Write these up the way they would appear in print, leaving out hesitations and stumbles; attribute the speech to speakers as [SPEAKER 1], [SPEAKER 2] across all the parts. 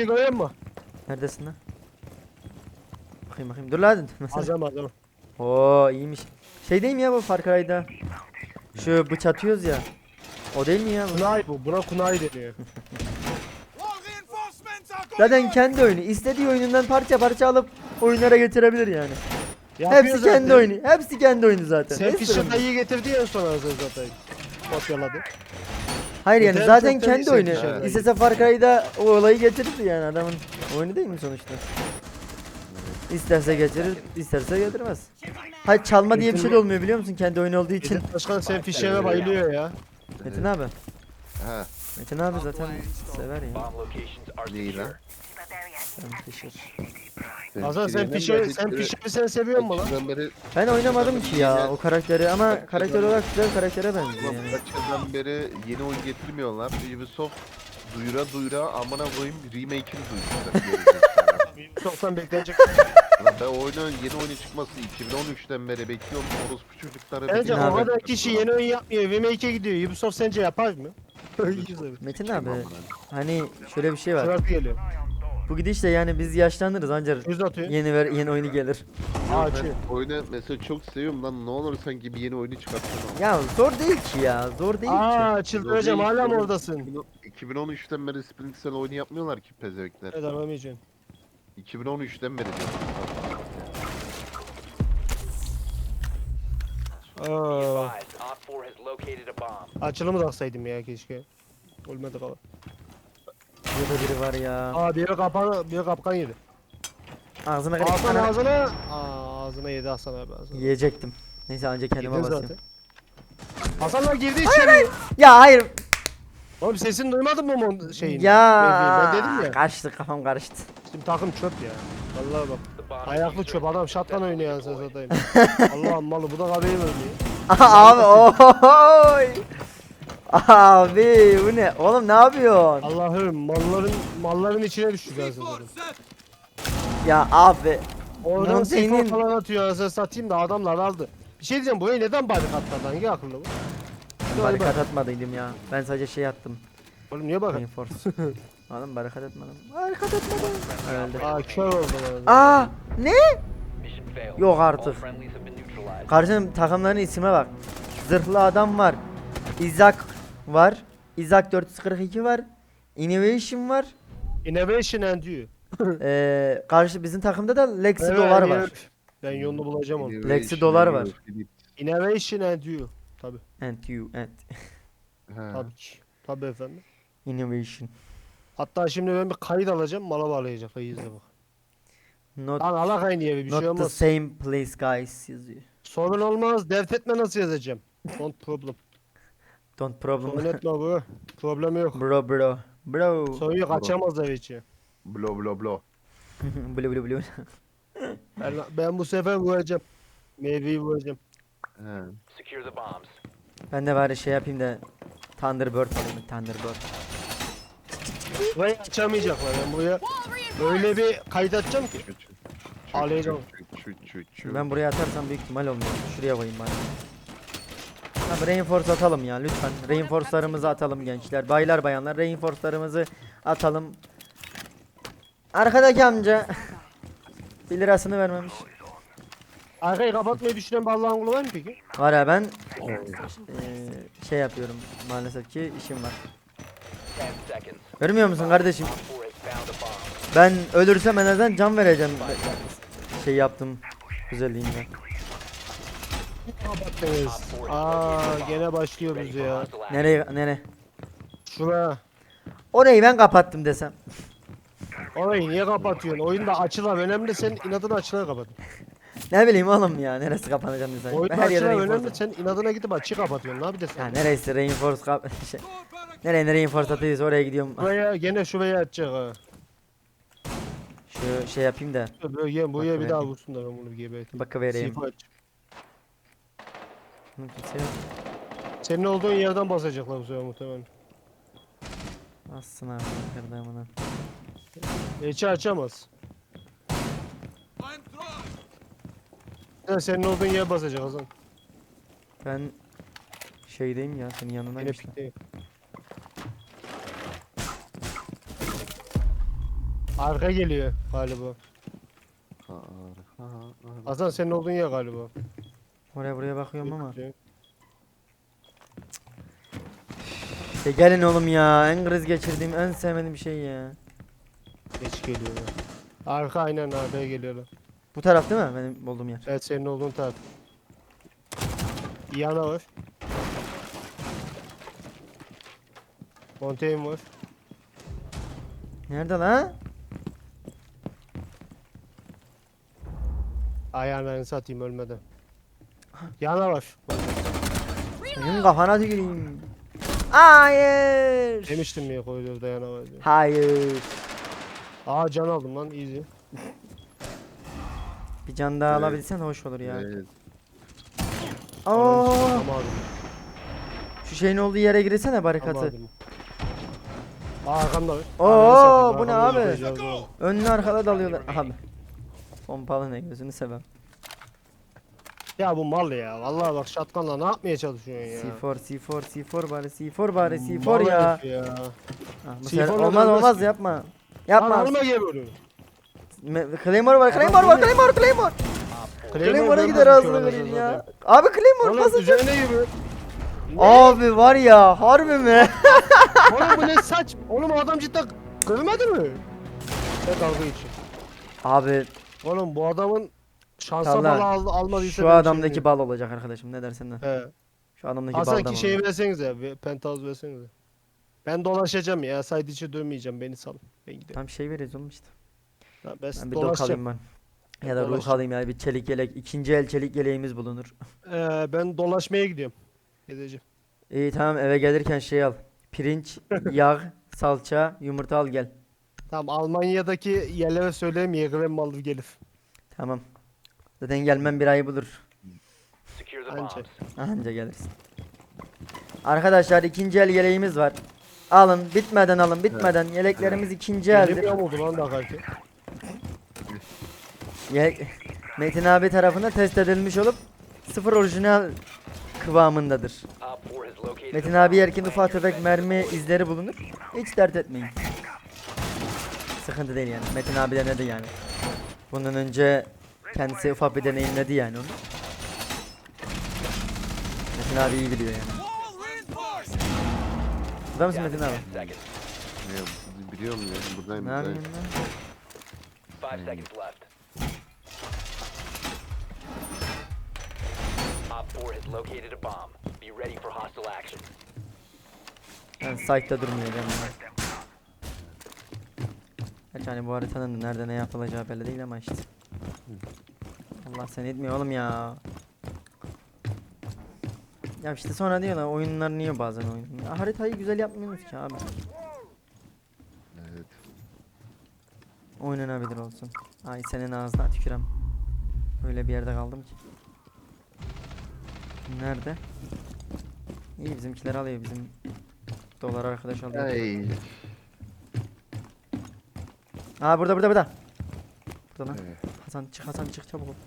[SPEAKER 1] fişeği görüyor musun?
[SPEAKER 2] Neredesin lan? Bakayım. Dur lan.
[SPEAKER 1] Azam.
[SPEAKER 2] Oo iyiymiş. Şey değil mi ya bu Far Cry'da? Şu bıç atıyoruz ya. O değil mi ya bu?
[SPEAKER 1] Kunay bu. Buna kunay deniyor.
[SPEAKER 2] Zaten kendi oyunu. İstediği oyunundan parça parça alıp oyunlara getirebilir yani.
[SPEAKER 1] Yapıyor
[SPEAKER 2] Hepsi
[SPEAKER 1] zaten.
[SPEAKER 2] kendi oyunu. Hepsi kendi oyunu zaten.
[SPEAKER 1] Sen
[SPEAKER 2] Ne
[SPEAKER 1] fişe
[SPEAKER 2] sorun?
[SPEAKER 1] dayıyı getirdi ya sonra zaten. Kopyaladı.
[SPEAKER 2] Hayır yani
[SPEAKER 1] Yeter
[SPEAKER 2] zaten
[SPEAKER 1] zaten
[SPEAKER 2] kendi
[SPEAKER 1] sen
[SPEAKER 2] oyunu.
[SPEAKER 1] fişe
[SPEAKER 2] İstese Far Cry'da o olayı getirirdi yani adamın oyunu değil mi sonuçta? İsterse getirir, isterse getirmez. Hayır çalma diye bir şey de olmuyor biliyor musun kendi oyunu olduğu için.
[SPEAKER 1] Metin Başkan sen fişeğe bayılıyor ya.
[SPEAKER 2] Metin abi.
[SPEAKER 3] Ha,
[SPEAKER 2] Metin abi zaten sever ya.
[SPEAKER 3] neyi lan?
[SPEAKER 2] Ben Fisher.
[SPEAKER 1] Hasan sen fişeği sen seviyor musun lan?
[SPEAKER 3] Kaçından beri,
[SPEAKER 2] Ben oynamadım ki ya o karakteri ama karakter olarak güzel bir karaktere benziyor
[SPEAKER 3] ulan
[SPEAKER 2] yani.
[SPEAKER 3] kaç yıldan beri yeni oyun getirmiyorlar. Ubisoft duyura amına koyayım remake'ini duyuracak.
[SPEAKER 1] Çoktan beklenecek.
[SPEAKER 3] Ulan ben yeni oyunun çıkması 2013'ten beri bekliyorum. Orospu çocukları
[SPEAKER 1] Bence
[SPEAKER 2] Metin
[SPEAKER 1] o
[SPEAKER 2] abi.
[SPEAKER 1] kadar kişi yeni oyun yapmıyor. Remake'e gidiyor. Ubisoft sence yapar mı?
[SPEAKER 2] Metin abi hani şöyle bir şey var.
[SPEAKER 1] Sırası geliyor.
[SPEAKER 2] Bu gidişle yani biz yaşlanırız ancak
[SPEAKER 1] Yüz atıyor.
[SPEAKER 2] yeni oyunu gelir.
[SPEAKER 1] Açıyor.
[SPEAKER 3] Oyunu mesela çok seviyorum lan, ne olur sanki bir yeni oyunu çıkartsana.
[SPEAKER 2] Ya zor değil ki ya. Zor değil ki.
[SPEAKER 1] Aa çıldıracağım hala mı oradasın?
[SPEAKER 3] 2013'ten beri Splinter Cell oyunu yapmıyorlar ki pezevenkler.
[SPEAKER 1] Evet anlamayacaksın.
[SPEAKER 3] 2013'ten beri diyorum.
[SPEAKER 1] Aa, açılımı da aksaydım ya keşke. Olmadı kala.
[SPEAKER 2] Burada biri var ya.
[SPEAKER 1] Aa biri kapkan yedi.
[SPEAKER 2] Ağzına kırık.
[SPEAKER 1] Hasan
[SPEAKER 2] Ana-
[SPEAKER 1] ağzına. Aa, ağzına yedi Hasan abi ağzına.
[SPEAKER 2] Yiyecektim. Neyse anca kendime
[SPEAKER 1] Yedin
[SPEAKER 2] basayım.
[SPEAKER 1] zaten. Hasanlar girdi içeri.
[SPEAKER 2] Ya hayır.
[SPEAKER 1] Oğlum sesini duymadın mı onun şeyini?
[SPEAKER 2] Ya.
[SPEAKER 1] Ben dedim ya.
[SPEAKER 2] Karıştı kafam karıştı.
[SPEAKER 1] Şimdi takım çöp ya. Vallahi bak. Ayaklı çöp adam şatkan oynuyor anasını satayım. Allah'ım malı bu da kabeyi oynuyor.
[SPEAKER 2] Abi oy. Abi bu ne? Oğlum ne yapıyorsun?
[SPEAKER 1] Allah'ım malların içine düştük anasını satayım.
[SPEAKER 2] Ya abi.
[SPEAKER 1] Oradan
[SPEAKER 2] Lan
[SPEAKER 1] seyfon
[SPEAKER 2] senin-
[SPEAKER 1] falan atıyor anasını satayım da adamlar aldı. Bir şey diyeceğim buraya neden barikatladı hangi akıllı bu?
[SPEAKER 2] Barikat atmadıydım ya. Ben sadece şey attım.
[SPEAKER 1] Oğlum niye bak?
[SPEAKER 2] Reinforce. Oğlum barikat atmadım. Barikat atmadım. Öldü.
[SPEAKER 1] Aa kör oldu bana.
[SPEAKER 2] Aa ne? Yok artık. Karşının takımların isime bak. Zırhlı adam var. Izak var. Izak 442 var. Innovation var.
[SPEAKER 1] Innovation and you.
[SPEAKER 2] Karşı bizim takımda da Lexi
[SPEAKER 1] Evet,
[SPEAKER 2] dolar
[SPEAKER 1] evet.
[SPEAKER 2] var.
[SPEAKER 1] Ben yolunu bulacağım onu.
[SPEAKER 2] Lexi dolar var.
[SPEAKER 1] Innovation and you. Tabi.
[SPEAKER 2] And you and
[SPEAKER 1] Tabii ki. Tabi efendim.
[SPEAKER 2] innovation.
[SPEAKER 1] Hatta şimdi ben bir kayıt alacağım mala bağlayacak. İyi izle bak.
[SPEAKER 2] Not
[SPEAKER 1] Lan ala kayın diye bir şey
[SPEAKER 2] not the
[SPEAKER 1] olmaz.
[SPEAKER 2] same place guys yazıyor.
[SPEAKER 1] Sorun olmaz. Dert etme nasıl yazacağım. Don't problem.
[SPEAKER 2] Don't
[SPEAKER 1] Sorun
[SPEAKER 2] problem.
[SPEAKER 1] etme bu. Problem yok.
[SPEAKER 2] Bro.
[SPEAKER 1] Sorun yok açamaz ev içi.
[SPEAKER 3] Blo.
[SPEAKER 2] Blu.
[SPEAKER 1] Ben bu sefer vuracağım. Meyveyi vuracağım.
[SPEAKER 3] He.
[SPEAKER 2] Ben de bari şey yapayım da Thunderbird alayım. Thunderbird.
[SPEAKER 1] Burayı açamayacaklar. Ben buraya öyle bir kayıt açacağım ki. Ağlayacağım.
[SPEAKER 2] Ben buraya atarsam büyük ihtimal olmuyor. Şuraya koyayım bari. Abi reinforce atalım ya lütfen. Reinforce'larımızı atalım gençler. Baylar bayanlar reinforce'larımızı atalım. Arkadaki amca 1 lirasını vermemiş.
[SPEAKER 1] Arkayı kapatmayı düşünen bir Allah'ın kulu var mı peki?
[SPEAKER 2] Var ya ben şey yapıyorum maalesef ki işim var. Görmüyor musun kardeşim? Ben ölürsem en azından can vereceğim. Şey yaptım güzelliğimle.
[SPEAKER 1] Kapattınız. Aa gene başlıyoruz ya.
[SPEAKER 2] Nereye?
[SPEAKER 1] Şuna.
[SPEAKER 2] Orayı ben kapattım desem.
[SPEAKER 1] Orayı niye kapatıyorsun? Oyunda açılan önemli sen inadına açılan kapat.
[SPEAKER 2] Ne bileyim oğlum ya neresi kapanacak sen.
[SPEAKER 1] Oyunda
[SPEAKER 2] Her yere
[SPEAKER 1] açılan
[SPEAKER 2] reinforce.
[SPEAKER 1] önemli sen inadına gidip açı kapatıyorsun. Ne yapıyorsun?
[SPEAKER 2] Ya neresi reinforce şey. Nereye reinforce atıyoruz oraya gidiyorum.
[SPEAKER 1] Buraya gene şuraya atacak ha.
[SPEAKER 2] Şu şey yapayım da
[SPEAKER 1] Buraya bir
[SPEAKER 2] Bak,
[SPEAKER 1] daha vursun da ben bunu geberteyim.
[SPEAKER 2] bakıvereyim.
[SPEAKER 1] Sifa aç.
[SPEAKER 2] Hı, kimse yok.
[SPEAKER 1] Senin olduğun yerden basacaklar bu sefer muhtemelen.
[SPEAKER 2] Assın abi kırdığımını.
[SPEAKER 1] Geçi açamaz. Ya senin olduğun yer basacak Hasan.
[SPEAKER 2] Ben şeydeyim ya senin yanına
[SPEAKER 1] Yine
[SPEAKER 2] işte.
[SPEAKER 1] pikteyim. Arka geliyor galiba.
[SPEAKER 3] Arka.
[SPEAKER 1] Hasan senin olduğun yer galiba.
[SPEAKER 2] Oraya buraya bakıyorum ama.
[SPEAKER 1] Bekliyor.
[SPEAKER 2] İşte gelin oğlum ya. En kriz geçirdiğim, en sevmediğim şey ya.
[SPEAKER 1] Geç geliyorlar. Arka aynen arkaya geliyorlar.
[SPEAKER 2] Bu taraf değil mi? Benim olduğum yer.
[SPEAKER 1] Evet senin olduğun taraf. Yana var. Montaigne var.
[SPEAKER 2] Nerede lan?
[SPEAKER 1] Ayağını satayım ölmeden. Yana var.
[SPEAKER 2] Senin kafana tüküreyim. Hayır.
[SPEAKER 1] Demiştim ya koridorda yana var diye.
[SPEAKER 2] Hayır.
[SPEAKER 1] Aa can aldım lan easy.
[SPEAKER 2] Bir can daha
[SPEAKER 3] Evet.
[SPEAKER 2] alabilsen hoş olur ya.
[SPEAKER 3] Evet.
[SPEAKER 2] Aa,
[SPEAKER 1] Alamadım.
[SPEAKER 2] şu şeyin olduğu yere girsene barikatı.
[SPEAKER 1] Alamadım. Aa arkamda var.
[SPEAKER 2] Oo,
[SPEAKER 1] Ananı satayım,
[SPEAKER 2] bu ne
[SPEAKER 1] arkamda
[SPEAKER 2] abi?
[SPEAKER 1] yapacağız oğlum.
[SPEAKER 2] Önlü arkada dalıyorlar. Abi. Pompalı ne gözünü seveyim.
[SPEAKER 1] Ya bu mal ya. Vallahi bak şatkanla ne yapmaya çalışıyorsun ya?
[SPEAKER 2] C4 bari C4 bari C4
[SPEAKER 1] Mal
[SPEAKER 2] ya.
[SPEAKER 1] herif ya.
[SPEAKER 2] Ah, bu
[SPEAKER 1] C4
[SPEAKER 2] sefer
[SPEAKER 1] ile
[SPEAKER 2] olmaz
[SPEAKER 1] dönmez
[SPEAKER 2] olmaz
[SPEAKER 1] ki.
[SPEAKER 2] yapma.
[SPEAKER 1] Lan
[SPEAKER 2] Yapma.
[SPEAKER 1] alma geliyorum.
[SPEAKER 2] Claymore var Claymore var Claymore. Claymore'a gider ağzına vereyim ya. Abi Claymore
[SPEAKER 1] Oğlum
[SPEAKER 2] basın.
[SPEAKER 1] üzerine yürü.
[SPEAKER 2] Abi var ya harbi mi?
[SPEAKER 1] Oğlum bu ne saç? Oğlum o adam cidden kırmadı mı? Ne dalga için.
[SPEAKER 2] Abi
[SPEAKER 1] Oğlum bu adamın şansa
[SPEAKER 2] Talha,
[SPEAKER 1] almadıysa
[SPEAKER 2] şu
[SPEAKER 1] ben
[SPEAKER 2] adamdaki
[SPEAKER 1] şey
[SPEAKER 2] bal olacak arkadaşım ne dersin de.
[SPEAKER 1] bilmiyorum.
[SPEAKER 2] Şu adamdaki
[SPEAKER 1] He.
[SPEAKER 2] baldan
[SPEAKER 1] Hasan ki şeyi
[SPEAKER 2] olacak.
[SPEAKER 1] versenize. Penthouse versenize. Ben dolaşacağım ya. Side içi dönmeyeceğim. Beni salın. Ben gidelim.
[SPEAKER 2] Tam şey veririz oğlum işte.
[SPEAKER 1] Ben
[SPEAKER 2] Ben bir dok alayım ben. Ya da ruh
[SPEAKER 1] dolaşacağım.
[SPEAKER 2] alayım ya bir çelik yelek. İkinci el çelik yeleğimiz bulunur.
[SPEAKER 1] Ben dolaşmaya gidiyorum. Gezeceğim.
[SPEAKER 2] İyi tamam eve gelirken şey al. Pirinç, yağ, salça, yumurta al gel.
[SPEAKER 1] Tamam Almanya'daki yerlere söyleyeyim Yeğren malı gelir.
[SPEAKER 2] Tamam. Zaten gelmem bir ay bulur.
[SPEAKER 1] Anca.
[SPEAKER 2] Anca gelirsin. Arkadaşlar ikinci el yeleğimiz var. Alın bitmeden alın bitmeden yeleklerimiz ikinci
[SPEAKER 1] Elim
[SPEAKER 2] eldir.
[SPEAKER 1] yamuldu lan da kanki.
[SPEAKER 2] Metin abi tarafından test edilmiş olup sıfır orijinal kıvamındadır. Metin abi yerken ufak tefek mermi izleri bulunur. Hiç dert etmeyin. Sıkıntı değil yani. Metin abi denedi yani. Bundan önce kendisi ufak bir deneyimledi yani onu. Metin abi iyi biliyor yani. Burada mısın Metin abi?
[SPEAKER 3] Ya, biliyorum ya buradayım.
[SPEAKER 2] Ne
[SPEAKER 3] buradayım.
[SPEAKER 2] yapıyorsun lan?
[SPEAKER 4] 5 seconds left. Op 4 has located a bomb. Be ready for hostile action.
[SPEAKER 2] Ben site'da durmayacağım ya. Gerçi hani bu haritanın da nerede ne yapılacağı belli değil ama işte. Allah seni etmiyor oğlum ya. Ya işte sonra diyorlar oyunlar niye bazen oyun. Ya haritayı güzel yapmıyoruz ki abi.
[SPEAKER 3] Evet.
[SPEAKER 2] Oynanabilir olsun. Ay senin ağzına tükürem. Öyle bir yerde kaldım ki. Nerede? İyi bizimkiler alıyor bizim dolar arkadaş alıyor.
[SPEAKER 3] Ay.
[SPEAKER 2] Aa burada. Burada lan.
[SPEAKER 3] Evet.
[SPEAKER 2] Hasan çık çabuk ol.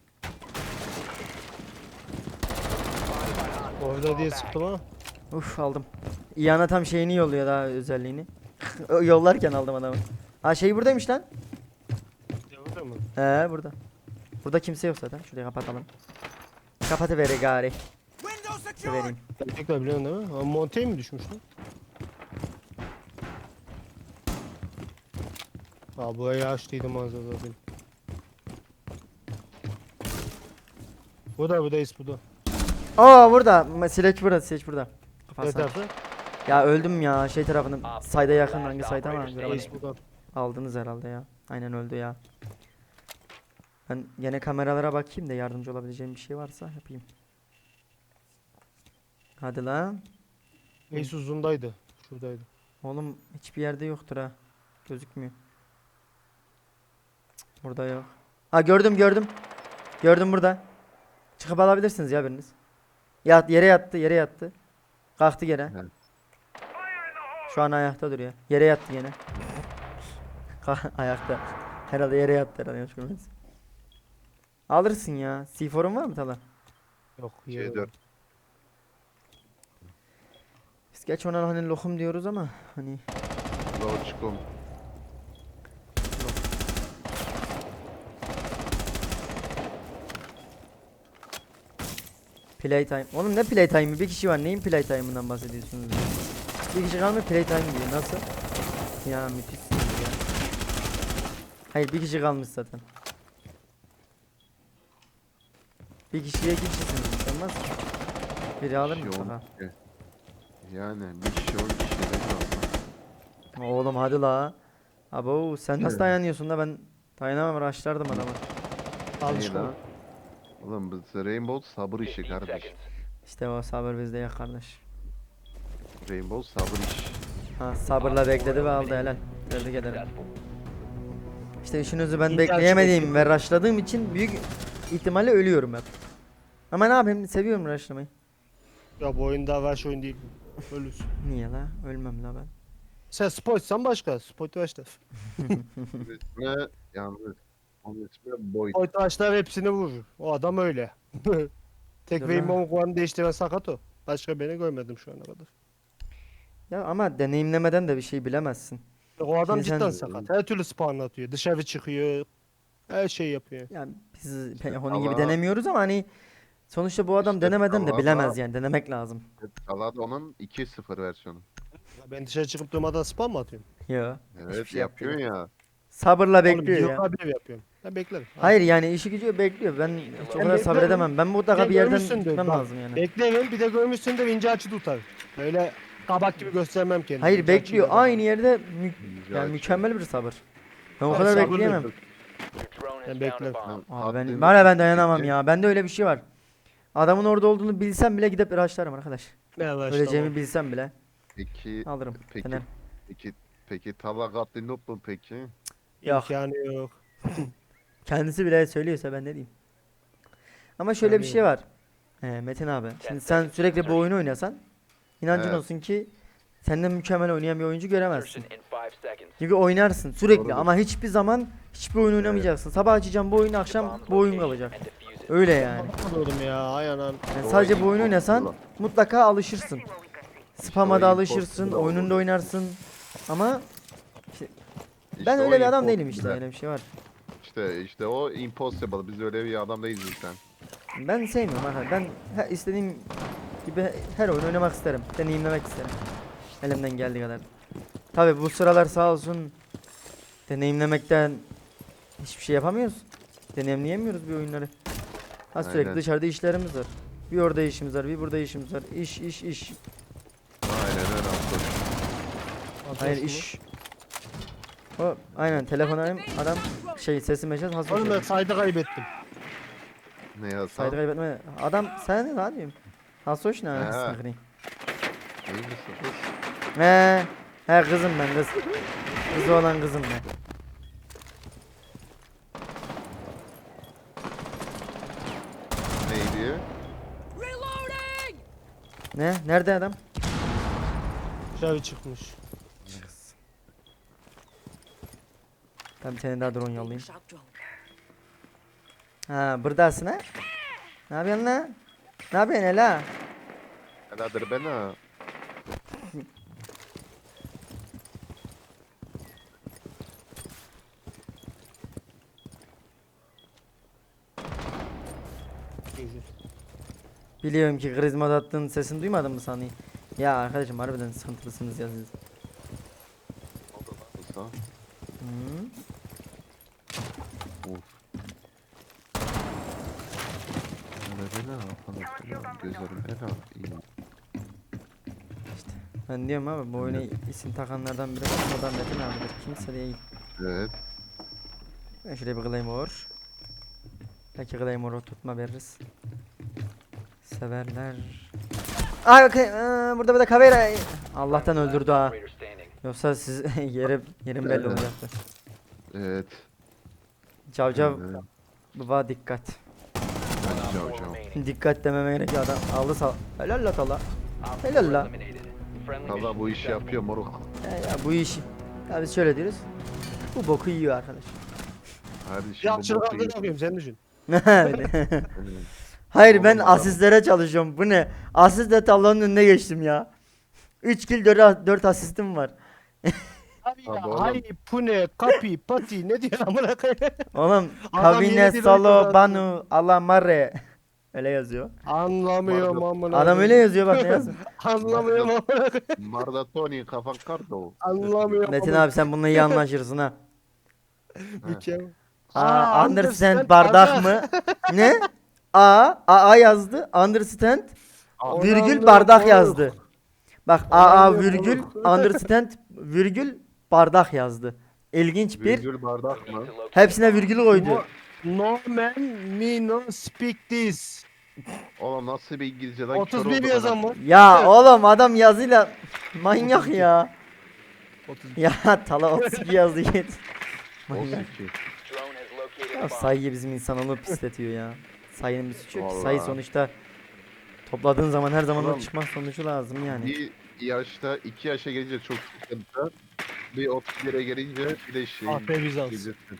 [SPEAKER 1] Orada diye sıktım ha.
[SPEAKER 2] Uf aldım. İyana tam şeyini yolluyor daha özelliğini. Yollarken aldım adamı. Aa şey buradaymış lan.
[SPEAKER 1] Orada mı?
[SPEAKER 2] He burada. Burada kimse yok zaten. Şurayı kapatalım. Kapatıver gari. Vereyim.
[SPEAKER 1] Tekrar biliyorsun değil mi? Ama Montaigne mi düşmüş lan? Aa burayı açtıydım manzara zaten. Buradayız burada.
[SPEAKER 2] Aa burada. Sileç burada.
[SPEAKER 1] Ne
[SPEAKER 2] Kapatsana.
[SPEAKER 1] tarafı?
[SPEAKER 2] Ya öldüm ya şey tarafını. Sayda yakın hangi sayda ama göremedim.
[SPEAKER 1] Reis burada.
[SPEAKER 2] Aldınız herhalde ya. Aynen öldü ya. Ben gene kameralara bakayım da yardımcı olabileceğim bir şey varsa yapayım. Hadi lan.
[SPEAKER 1] Reis uzundaydı. Şuradaydı.
[SPEAKER 2] Oğlum hiçbir yerde yoktur ha. Gözükmüyor. Cık, burada yok. Ha gördüm. Gördüm burada. Çıkıp alabilirsiniz ya biriniz. Yere yattı. Kalktı gene.
[SPEAKER 3] Evet.
[SPEAKER 2] Şu an ayakta duruyor. Yere yattı gene. Ayakta. Herhalde yere yattı herhalde yanlış görmediniz. Alırsın ya. C4'un var mı Tala?
[SPEAKER 1] Yok.
[SPEAKER 3] C4.
[SPEAKER 2] Biz geç ona hani lokum diyoruz ama hani
[SPEAKER 3] Loçkom.
[SPEAKER 2] Playtime. Oğlum ne playtime'ı? Bir kişi var. Neyin playtime'ından bahsediyorsunuz? Bir kişi kalmıyor playtime diyor. Nasıl? Ya müthişsiniz ya. Hayır bir kişi kalmış zaten. Bir kişiye iki kişisiniz. Olmaz ki. Biri alır mı?
[SPEAKER 3] Bir şey
[SPEAKER 2] Aha.
[SPEAKER 3] on kişi. Yani bir kişi 10 kişi de
[SPEAKER 2] Oğlum hadi la. Abo sen nasıl
[SPEAKER 3] Evet.
[SPEAKER 2] dayanıyorsun da ben dayanamam rushlardım adamı.
[SPEAKER 1] Alışkın.
[SPEAKER 3] lan. Oğlum bu Rainbow sabır işi
[SPEAKER 4] 15
[SPEAKER 3] kardeş.
[SPEAKER 4] seconds.
[SPEAKER 2] İşte o sabır bizde ya kardeş.
[SPEAKER 3] Rainbow sabır iş.
[SPEAKER 2] Ha sabırla bekledi ve aldı helal. Tebrik ederim.
[SPEAKER 4] Successful.
[SPEAKER 2] İşte işinizi ben
[SPEAKER 1] İyi
[SPEAKER 2] bekleyemediğim
[SPEAKER 1] gerçekten.
[SPEAKER 2] ve rushladığım için büyük ihtimalle ölüyorum hep. Ama ne yapayım seviyorum rushlamayı.
[SPEAKER 1] Ya bu oyun daha rush oyun değil. Ölürsün.
[SPEAKER 2] Niye la? Ölmem la ben.
[SPEAKER 1] Sen sportsan başka. Sport başla.
[SPEAKER 3] İsmi yalnız. Onun ismi Boyd.
[SPEAKER 1] Sport başlar hepsini vurur. O adam öyle. Tek
[SPEAKER 2] Dur
[SPEAKER 1] benim
[SPEAKER 2] lan.
[SPEAKER 1] 10 puanı değiştiren sakat o. Başka beni görmedim şu ana kadar.
[SPEAKER 2] Ya ama deneyimlemeden de bir şey bilemezsin.
[SPEAKER 1] O adam
[SPEAKER 2] Şimdi sen-
[SPEAKER 1] cidden sakat. Her türlü spawn atıyor. Dışarı çıkıyor. Her şeyi yapıyor.
[SPEAKER 2] Yani biz onun gibi
[SPEAKER 3] Allah-
[SPEAKER 2] denemiyoruz ama hani sonuçta bu adam
[SPEAKER 3] İşte
[SPEAKER 2] denemeden de
[SPEAKER 3] Allah-
[SPEAKER 2] bilemez yani denemek lazım.
[SPEAKER 3] Salada onun 2.0 versiyonu.
[SPEAKER 1] Ya ben dışarı çıkıp durmadan spawn mı atıyorum?
[SPEAKER 2] Ya.
[SPEAKER 3] Evet
[SPEAKER 2] şey
[SPEAKER 3] yapıyor
[SPEAKER 2] yapmıyor.
[SPEAKER 3] ya.
[SPEAKER 2] Sabırla
[SPEAKER 1] Oğlum
[SPEAKER 2] bekliyor ya.
[SPEAKER 1] yıllar bir yapıyorum. Ben beklerim.
[SPEAKER 2] Hayır yani işi gücü bekliyor. Ben hiç o
[SPEAKER 1] Ben
[SPEAKER 2] kadar
[SPEAKER 1] beklerim.
[SPEAKER 2] sabredemem. Ben mutlaka
[SPEAKER 1] Bir
[SPEAKER 2] bir
[SPEAKER 1] de
[SPEAKER 2] yerden
[SPEAKER 1] görmüşsündür,
[SPEAKER 2] gitmem
[SPEAKER 1] bak.
[SPEAKER 2] lazım yani.
[SPEAKER 1] Beklerim bir de görmüşsün de ince açı tutar. Öyle kabak gibi göstermem kendimi.
[SPEAKER 2] Hayır
[SPEAKER 1] İnce
[SPEAKER 2] bekliyor.
[SPEAKER 1] açıyla
[SPEAKER 2] Aynı yerde
[SPEAKER 3] Güzel
[SPEAKER 2] yani
[SPEAKER 3] açı.
[SPEAKER 2] mükemmel bir sabır. Ben o
[SPEAKER 1] Hayır,
[SPEAKER 2] kadar
[SPEAKER 1] sabırlı
[SPEAKER 2] bekleyemem.
[SPEAKER 4] Your drone has
[SPEAKER 1] Ben
[SPEAKER 4] found a
[SPEAKER 1] beklerim.
[SPEAKER 4] bomb.
[SPEAKER 2] Abi ben
[SPEAKER 3] Attığın
[SPEAKER 2] hala ben dayanamam
[SPEAKER 3] peki-
[SPEAKER 2] ya. Bende öyle bir şey var. Adamın orada olduğunu bilsem bile gidip rushlarım arkadaş.
[SPEAKER 1] Ne var işte
[SPEAKER 2] Öleceğimi
[SPEAKER 1] o.
[SPEAKER 2] bilsem bile
[SPEAKER 3] Peki,
[SPEAKER 2] alırım.
[SPEAKER 3] peki,
[SPEAKER 2] Fener.
[SPEAKER 3] peki tabakatlı noob mu peki?
[SPEAKER 2] Yok.
[SPEAKER 1] İmkanı yok.
[SPEAKER 2] Kendisi bile söylüyorsa ben ne diyeyim. Ama şöyle bir
[SPEAKER 1] Yani-
[SPEAKER 2] şey var. Metin abi. Şimdi sen sürekli bu oyunu oynasan inancın
[SPEAKER 3] Evet.
[SPEAKER 2] olsun ki senden mükemmel oynayan bir oyuncu göremezsin.
[SPEAKER 4] Insertion in 5 seconds.
[SPEAKER 2] Çünkü oynarsın sürekli
[SPEAKER 3] Doğrudur.
[SPEAKER 2] ama hiçbir zaman hiçbir oyun oynamayacaksın. Sabah açacağım bu oyunu, akşam
[SPEAKER 4] Bomb's
[SPEAKER 2] bu oyun
[SPEAKER 4] location
[SPEAKER 2] kalacak.
[SPEAKER 4] and defuse it.
[SPEAKER 2] Öyle yani.
[SPEAKER 1] Anladım ya ay anam.
[SPEAKER 2] Yani
[SPEAKER 3] Doğru,
[SPEAKER 2] sadece bu oyunu
[SPEAKER 3] impossible
[SPEAKER 2] oynasan
[SPEAKER 3] olan.
[SPEAKER 2] mutlaka alışırsın. Spam'a
[SPEAKER 3] o
[SPEAKER 2] da alışırsın,
[SPEAKER 3] impossible
[SPEAKER 2] oyununda
[SPEAKER 3] olur.
[SPEAKER 2] oynarsın. Ama
[SPEAKER 3] İşte
[SPEAKER 2] ben
[SPEAKER 3] o
[SPEAKER 2] öyle bir adam değilim
[SPEAKER 3] impossible.
[SPEAKER 2] işte, öyle bir şey var.
[SPEAKER 3] İşte o impossible. Biz öyle bir adam değiliz sen.
[SPEAKER 2] Ben sevmiyorum arkadaşlar. Ben istediğim gibi her oyun oynamak isterim. Deneyimlemek isterim. Elimden geldiği kadar. Tabi bu sıralar sağ olsun deneyimlemekten hiçbir şey yapamıyoruz. Deneyimleyemiyoruz bir oyunları. Ha sürekli
[SPEAKER 3] Aynen.
[SPEAKER 2] dışarıda işlerimiz var. Bir orada işimiz var, bir burada işimiz var. İş, iş, iş.
[SPEAKER 3] Aynen öyle Aslı.
[SPEAKER 2] Hayır iş. O aynen telefon arayayım adam şey sesi mesaj hazır.
[SPEAKER 1] Oğlum ben sayda kaybettim.
[SPEAKER 3] Ne ya
[SPEAKER 2] Saydı kaybetme. Adam sen ne yapayım? Hasoş ne
[SPEAKER 3] Ha.
[SPEAKER 2] anasını
[SPEAKER 3] İyi misin kız?
[SPEAKER 2] He kızım ben kız. Kızı olan kızım ben.
[SPEAKER 3] Neydi?
[SPEAKER 2] Ne? Nerede adam?
[SPEAKER 1] Dışarı çıkmış.
[SPEAKER 2] Ben bir tane daha drone yollayayım. Ha buradasın ha? Ne yapıyorsun lan? Ne yapıyorsun Ela?
[SPEAKER 3] Heladır ben ha.
[SPEAKER 1] Güzel.
[SPEAKER 2] Biliyorum ki Grizmod attığın sesini duymadın mı sanayım? Ya arkadaşım harbiden sıkıntılısınız ya siz.
[SPEAKER 3] Kısa.
[SPEAKER 2] Hı.
[SPEAKER 3] Of. Bela gözlerim bela. İyi.
[SPEAKER 2] Ben diyorum abi bu oyuna isim takanlardan biri o da Metin abidir. Kimse değil.
[SPEAKER 3] Evet.
[SPEAKER 2] Ben şuraya bir Claymore. Belki Claymore'u tutma veririz. Severler. Ay okey. Burada bir de Kavera. Allah'tan öldürdü ha.
[SPEAKER 4] Operator standing.
[SPEAKER 2] Yoksa siz yerim belli
[SPEAKER 3] Evet.
[SPEAKER 2] olacaktı.
[SPEAKER 3] Evet.
[SPEAKER 2] Cavcav
[SPEAKER 3] Evet.
[SPEAKER 2] baba dikkat.
[SPEAKER 3] Ben
[SPEAKER 4] Four
[SPEAKER 3] Jojo.
[SPEAKER 4] remaining.
[SPEAKER 2] Dikkat dememe gerek yok adam. Aldı sal. Helal la tala.
[SPEAKER 4] Op
[SPEAKER 2] Helal
[SPEAKER 4] four
[SPEAKER 2] la.
[SPEAKER 4] eliminated. Friendly
[SPEAKER 3] Valla
[SPEAKER 4] mission
[SPEAKER 3] bu işi
[SPEAKER 4] successful.
[SPEAKER 3] yapıyor moruk.
[SPEAKER 2] Ya bu işi. Ya biz şöyle diyoruz. Bu boku yiyor arkadaş.
[SPEAKER 3] Kardeşim
[SPEAKER 1] Ya
[SPEAKER 3] bu
[SPEAKER 1] çılgın
[SPEAKER 3] boku
[SPEAKER 1] ne yapayım sen düşün.
[SPEAKER 2] Hayır ben
[SPEAKER 3] Oğlum adam-
[SPEAKER 2] asistlere çalışıyorum. Bu ne? Asistle tablonun önüne geçtim ya. 3 kill 4 asistim var.
[SPEAKER 1] Abi ya
[SPEAKER 3] Abi oğlum.
[SPEAKER 1] hay pune kapi pati ne diyor amına koyayım.
[SPEAKER 2] Oğlum
[SPEAKER 1] Adam
[SPEAKER 2] Kavine
[SPEAKER 1] yeni dil
[SPEAKER 2] Salo
[SPEAKER 1] oynuyor
[SPEAKER 2] Banu Alamare. Öyle yazıyor.
[SPEAKER 1] Anlamıyorum amına.
[SPEAKER 2] Adam öyle yazıyor bak ne yazıyor.
[SPEAKER 1] Anlamıyorum amına.
[SPEAKER 3] Mardatoni kafan kardo.
[SPEAKER 1] Anlamıyorum.
[SPEAKER 2] Metin abi sen bununla iyi anlaşırsın ha.
[SPEAKER 1] Mükemmel.
[SPEAKER 2] Understand bardak mı? Ne? A yazdı. Understand virgül bardak yazdı. Bak virgül understand virgül bardak yazdı. İlginç bir.
[SPEAKER 3] Virgül bardak mı?
[SPEAKER 2] Hepsine virgül koydu.
[SPEAKER 1] No man me no speak this.
[SPEAKER 3] Oğlum nasıl bir İngilizce lan?
[SPEAKER 1] 31 yazan mı?
[SPEAKER 2] Ya oğlum adam yazıyla manyak ya.
[SPEAKER 1] 32.
[SPEAKER 2] Ya Tala 32 yazdı git. Manyak.
[SPEAKER 3] 32.
[SPEAKER 4] Drone has located a
[SPEAKER 2] Ya
[SPEAKER 4] bomb.
[SPEAKER 2] sayıyı bizim insanoğlu pisletiyor ya. Sayının bir suçu yok ki.
[SPEAKER 3] Vallahi.
[SPEAKER 2] Sayı sonuçta topladığın zaman her zaman o
[SPEAKER 3] Ulan,
[SPEAKER 2] çıkmak sonucu lazım yani.
[SPEAKER 3] Bir yaşta 2 yaşa gelince çok sıkıntı. Bir 31'e gelince bir de şey.
[SPEAKER 1] Ah be Bizans.
[SPEAKER 3] İngilizce'de.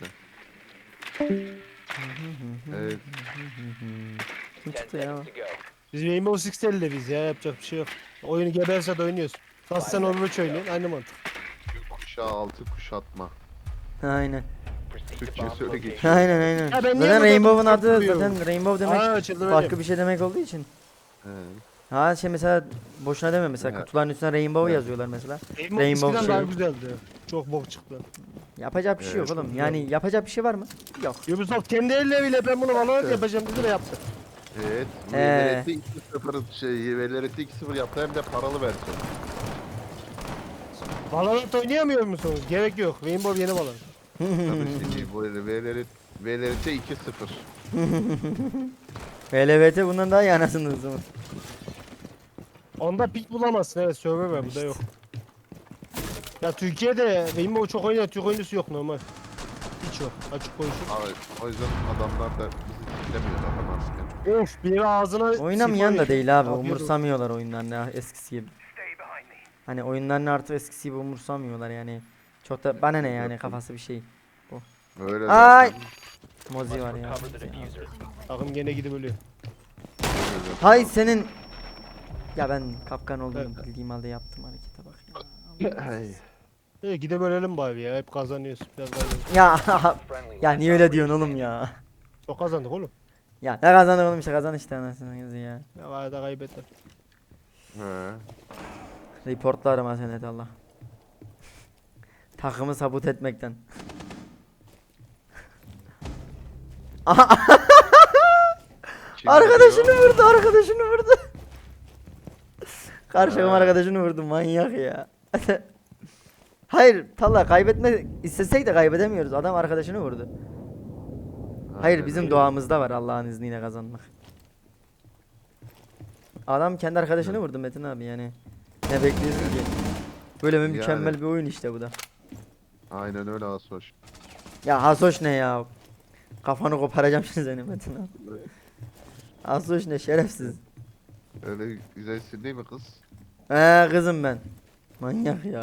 [SPEAKER 3] Evet.
[SPEAKER 2] Kim
[SPEAKER 4] 10
[SPEAKER 2] çıktı ya?
[SPEAKER 4] seconds to go.
[SPEAKER 1] Biz Rainbow Six Six'te biz ya yapacak bir şey yok. Oyunu geberse de oynuyoruz. Nasıl sen Overwatch oynuyorsun aynı mantık.
[SPEAKER 3] Kuşağı altı kuşatma.
[SPEAKER 2] Aynen.
[SPEAKER 4] Proceed to
[SPEAKER 3] Türkçesi
[SPEAKER 4] bomb
[SPEAKER 3] öyle
[SPEAKER 4] location.
[SPEAKER 3] geçiyor.
[SPEAKER 2] Aynen aynen.
[SPEAKER 1] Ya ben niye
[SPEAKER 2] Zaten
[SPEAKER 1] burada
[SPEAKER 2] Rainbow'un adı
[SPEAKER 1] takılıyorum?
[SPEAKER 2] zaten Rainbow demek
[SPEAKER 1] Aa çıldıracağım.
[SPEAKER 2] farklı bir şey demek olduğu için.
[SPEAKER 3] He.
[SPEAKER 2] Ha şey mesela boşuna deme mesela
[SPEAKER 3] Evet.
[SPEAKER 2] kutuların üstüne Rainbow
[SPEAKER 3] Evet.
[SPEAKER 2] yazıyorlar mesela.
[SPEAKER 1] Rainbow
[SPEAKER 2] Rainbow
[SPEAKER 1] eskiden daha
[SPEAKER 2] şey.
[SPEAKER 1] güzeldi. Çok bok çıktı.
[SPEAKER 2] Yapacak bir şey yok
[SPEAKER 3] Evet.
[SPEAKER 2] oğlum. Yani yapacak bir şey var mı? Yok.
[SPEAKER 1] Ubisoft kendi elleriyle ben bunu Valorant
[SPEAKER 3] Evet.
[SPEAKER 1] yapacağım dedi de yaptı.
[SPEAKER 3] Evet.
[SPEAKER 2] Ee.
[SPEAKER 3] VLRT 2.0 şey, VLRT 2.0 yaptı hem de paralı versiyon.
[SPEAKER 1] Valorant oynayamıyor musunuz? Gerek yok. Rainbow yeni Valorant.
[SPEAKER 3] Tabii şey, bu VLRT 2.0.
[SPEAKER 2] LVT bundan daha iyi anasını o zaman.
[SPEAKER 1] Onda pik bulamazsın evet server var burada yok. Ya Türkiye'de Rainbow çok oynayan Türk oyuncusu yok normal. Hiç yok açık konuşayım.
[SPEAKER 3] Abi, o yüzden adamlar da bizi dinlemiyor adam aslında.
[SPEAKER 1] Of biri ağzına
[SPEAKER 2] Oynamayan da
[SPEAKER 1] sifon
[SPEAKER 2] değil abi.
[SPEAKER 1] Afiyet olsun.
[SPEAKER 2] Umursamıyorlar oyunlarını eskisi gibi. Hani oyunlarını artık eskisi gibi umursamıyorlar yani. Çok da bana ne yani kafası bir şey.
[SPEAKER 3] Öyle
[SPEAKER 2] Ay!
[SPEAKER 3] zaten.
[SPEAKER 2] Mozi var ya.
[SPEAKER 4] Recover the diffuser.
[SPEAKER 1] Takım gene gidip ölüyor.
[SPEAKER 3] Öyle zaten.
[SPEAKER 2] Hay senin. Ya ben kapkan olduğunu
[SPEAKER 1] Evet.
[SPEAKER 2] bildiğim halde yaptım harekete bak ya.
[SPEAKER 3] Ay.
[SPEAKER 1] Gidip ölelim bari ya hep kazanıyoruz. Biraz kaybediyoruz.
[SPEAKER 2] Ya
[SPEAKER 4] Friendly
[SPEAKER 2] ya
[SPEAKER 4] last
[SPEAKER 2] niye öyle
[SPEAKER 4] operator
[SPEAKER 2] diyorsun oğlum
[SPEAKER 4] standing.
[SPEAKER 2] ya?
[SPEAKER 1] Çok kazandık oğlum.
[SPEAKER 2] Ya ne kazanır oğlum işte kazan işte anasını yazı ya.
[SPEAKER 1] Ya arada kaybettik.
[SPEAKER 3] He.
[SPEAKER 2] Reportlarım ha senet Allah. Takımı sabut etmekten.
[SPEAKER 3] Kim
[SPEAKER 2] Arkadaşını
[SPEAKER 3] geliyor?
[SPEAKER 2] vurdu, arkadaşını vurdu. Karşıma arkadaşını vurdu manyak ya. Hayır, Talla kaybetme istesek de kaybedemiyoruz. Adam arkadaşını vurdu. Hayır,
[SPEAKER 3] Aynen
[SPEAKER 2] bizim
[SPEAKER 3] öyle.
[SPEAKER 2] doğamızda var Allah'ın izniyle kazanmak. Adam kendi arkadaşını vurdu Metin abi yani. Ne bekliyorsun ki? Böyle bir mükemmel
[SPEAKER 3] Yani.
[SPEAKER 2] bir oyun işte bu da.
[SPEAKER 3] Aynen öyle Asoş.
[SPEAKER 2] Ya Hasoş ne ya? Kafanı koparacağım şimdi seni Metin abi. Hasoş ne şerefsiz.
[SPEAKER 3] Öyle güzelsin değil mi kız?
[SPEAKER 2] Kızım ben. Manyak ya.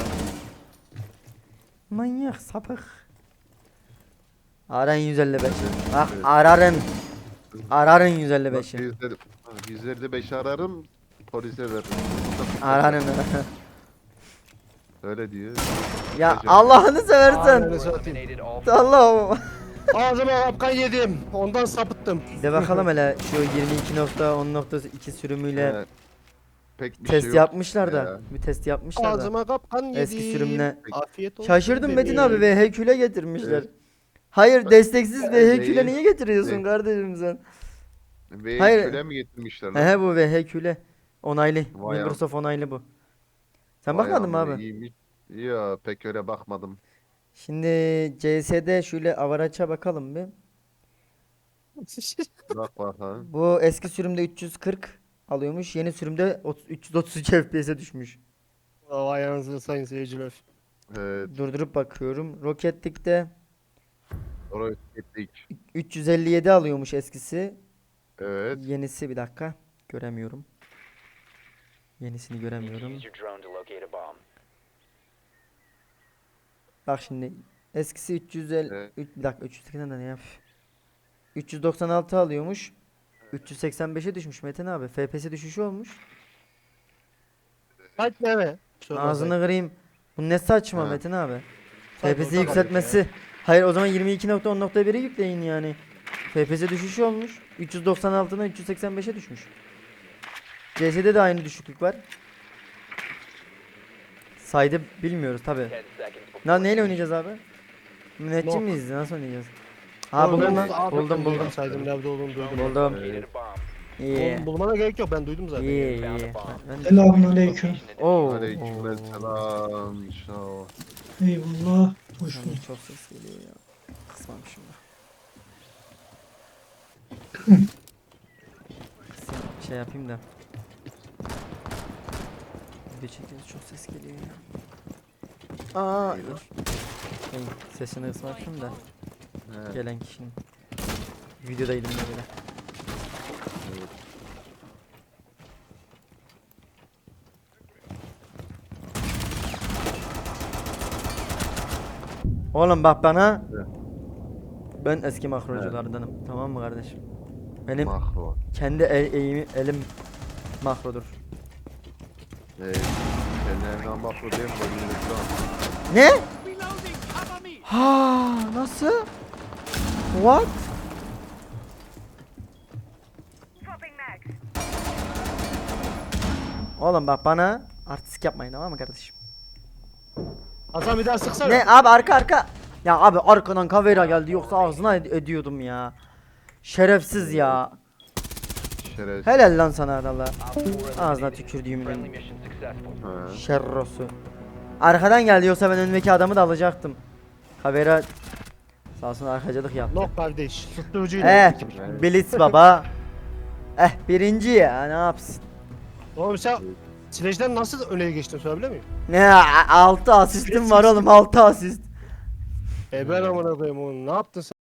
[SPEAKER 2] Manyak sapık. Arayın 155'i. Bak
[SPEAKER 3] Evet.
[SPEAKER 2] ararın. Ararın
[SPEAKER 3] Bak,
[SPEAKER 2] 155'i.
[SPEAKER 3] yüzleri 5 ararım, polise veririm.
[SPEAKER 2] Ararın.
[SPEAKER 3] Öyle diyor.
[SPEAKER 2] Ya
[SPEAKER 3] Gece-
[SPEAKER 2] Allah'ını seversen.
[SPEAKER 1] Aynen.
[SPEAKER 4] You eliminated all
[SPEAKER 2] Allah'ım.
[SPEAKER 1] Ağzıma kapkan yedim. Ondan sapıttım.
[SPEAKER 2] De bakalım hele şu 22.10.2 sürümüyle
[SPEAKER 3] He, pek bir
[SPEAKER 2] test
[SPEAKER 3] şey yok
[SPEAKER 2] yapmışlar da.
[SPEAKER 3] ya.
[SPEAKER 2] Bir test yapmışlar da.
[SPEAKER 1] Ağzıma kapkan yedim.
[SPEAKER 2] Eski sürümle.
[SPEAKER 1] Afiyet olsun.
[SPEAKER 2] Şaşırdım Metin abi
[SPEAKER 1] bebeğim.
[SPEAKER 2] ve HQ'le getirmişler.
[SPEAKER 3] Evet.
[SPEAKER 2] Hayır desteksiz ve HQ'le
[SPEAKER 3] Neyi?
[SPEAKER 2] niye getiriyorsun
[SPEAKER 3] Ne?
[SPEAKER 2] kardeşim sen?
[SPEAKER 3] Ve
[SPEAKER 2] Hayır.
[SPEAKER 3] köle mi getirmişler lan?
[SPEAKER 2] He bu VHQ'le onaylı.
[SPEAKER 3] Vay
[SPEAKER 2] Microsoft onaylı bu. Sen
[SPEAKER 3] Vay
[SPEAKER 2] bakmadın mı
[SPEAKER 3] amına,
[SPEAKER 2] abi?
[SPEAKER 3] iyiymiş. Ya pek öyle bakmadım.
[SPEAKER 2] Şimdi CS'de şöyle avaraça bakalım bir.
[SPEAKER 3] Bak bakalım.
[SPEAKER 2] Bu eski sürümde 340 alıyormuş. Yeni sürümde 333 FPS'e düşmüş.
[SPEAKER 1] Vay anasını sayın seyirciler.
[SPEAKER 3] Evet.
[SPEAKER 2] Durdurup bakıyorum. Rocket League'de
[SPEAKER 3] Oraya gittik.
[SPEAKER 2] 357 alıyormuş eskisi.
[SPEAKER 3] Evet.
[SPEAKER 2] Yenisi bir dakika. Göremiyorum. Yenisini
[SPEAKER 4] need to
[SPEAKER 2] göremiyorum.
[SPEAKER 4] use your drone to locate a bomb.
[SPEAKER 2] Bak şimdi eskisi 350
[SPEAKER 3] Evet.
[SPEAKER 2] bir dakika 380'den de ne yap? 396 alıyormuş. 385'e düşmüş Metin abi. FPS düşüşü olmuş.
[SPEAKER 1] Kaç ne?
[SPEAKER 2] Ağzını kırayım. Bu ne saçma
[SPEAKER 3] Ha.
[SPEAKER 2] Metin abi.
[SPEAKER 1] Tabii,
[SPEAKER 2] FPS'i
[SPEAKER 1] orada kalıyor
[SPEAKER 2] yükseltmesi. Hayır o zaman 22.10.1'i yükleyin yani. FPS düşüşü olmuş. 396'dan 385'e düşmüş. CS'de de aynı düşüklük var. Saydı bilmiyoruz tabi.
[SPEAKER 4] 10 seconds before
[SPEAKER 2] Lan neyle oynayacağız abi? Müneccim
[SPEAKER 1] Nok.
[SPEAKER 2] miyiz? Nasıl oynayacağız? Ha buldum lan. Buldum.
[SPEAKER 1] Saydım nerede olduğunu duydum.
[SPEAKER 2] Buldum.
[SPEAKER 4] located a bomb.
[SPEAKER 2] İyi.
[SPEAKER 1] Bulmana gerek yok, ben duydum zaten.
[SPEAKER 2] İyi.
[SPEAKER 4] Found
[SPEAKER 2] iyi.
[SPEAKER 4] a bomb.
[SPEAKER 2] Ben-
[SPEAKER 5] Selamünaleyküm.
[SPEAKER 4] Location and
[SPEAKER 2] Oo.
[SPEAKER 3] Aleykümselam. İnşallah.
[SPEAKER 5] Eyvallah. Hoş
[SPEAKER 2] Yalnız
[SPEAKER 5] bulduk.
[SPEAKER 2] çok ses geliyor ya. Kısmamışım da. Şey yapayım da. Video çekiyoruz, çok ses geliyor ya. Aa dur. Şey, sesini kısmamışım da
[SPEAKER 3] He,
[SPEAKER 2] gelen kişinin. Videodaydım da böyle.
[SPEAKER 3] evet.
[SPEAKER 2] Oğlum bak bana.
[SPEAKER 3] Evet.
[SPEAKER 2] Ben eski makroculardanım. Tamam mı kardeşim? Benim
[SPEAKER 3] Makro.
[SPEAKER 2] kendi elim makrodur.
[SPEAKER 3] Kendilerine makro değil mi? Böyle şu an.
[SPEAKER 2] Ne? Ha nasıl? What? Oğlum bak bana artistik yapmayın tamam mı kardeşim?
[SPEAKER 1] Hasan bir daha sıksana.
[SPEAKER 2] Ne abi arka. Ya abi arkadan kavera geldi yoksa ağzına ediyordum ya. Şerefsiz ya.
[SPEAKER 3] Şeref.
[SPEAKER 2] Helal lan sana Allah.
[SPEAKER 4] Op 4
[SPEAKER 2] Ağzına
[SPEAKER 4] eliminated.
[SPEAKER 2] tükürdüğümün.
[SPEAKER 4] Friendly mission successful.
[SPEAKER 3] He.
[SPEAKER 2] Şerrosu. Arkadan geldi yoksa ben önümdeki adamı da alacaktım. Kavera sağ olsun arkacılık yaptı.
[SPEAKER 1] Nok kardeş. Susturucuyla.
[SPEAKER 2] Blitz baba. Birinci ya ne yapsın?
[SPEAKER 1] Oğlum sen Sledge'den nasıl öne geçtin sorabilir miyim?
[SPEAKER 2] Ne 6 asistim var oğlum 6 asist.
[SPEAKER 1] Ben amına koyayım oğlum, ne yaptın sen?